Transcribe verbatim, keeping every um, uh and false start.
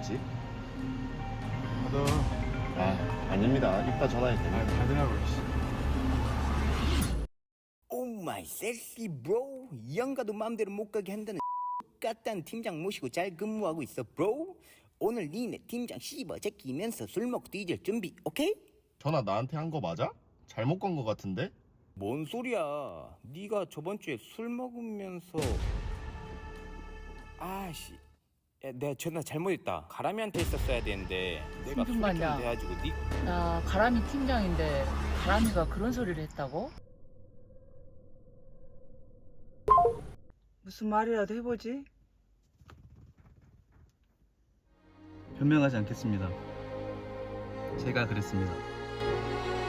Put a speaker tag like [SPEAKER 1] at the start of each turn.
[SPEAKER 1] 있지?
[SPEAKER 2] 너
[SPEAKER 1] 아, 아닙니다. 이따 전화할게.
[SPEAKER 2] 아, 받으라고.
[SPEAKER 3] 오 마이 섹시 브로. 영가도 마음대로 못 가게 한다는 같단 팀장 모시고 잘 근무하고 있어 브로. 오늘 니네 팀장 씹어 제끼면서 술 먹고 뒤질 준비 오케이?
[SPEAKER 1] 전화 나한테 한 거 맞아? 잘못 건 거 같은데?
[SPEAKER 3] 뭔 소리야. 네가 저번 주에 술 먹으면서 아씨 야, 내가 전화 잘못했다. 가람이한테 했었어야 되는데 내가
[SPEAKER 4] 무슨
[SPEAKER 3] 술이 좀
[SPEAKER 4] 말이야?
[SPEAKER 3] 돼가지고 니
[SPEAKER 4] 나 가람이 팀장인데 가람이가 그런 소리를 했다고?
[SPEAKER 5] 무슨 말이라도 해보지.
[SPEAKER 6] 변명하지 않겠습니다. 제가 그랬습니다.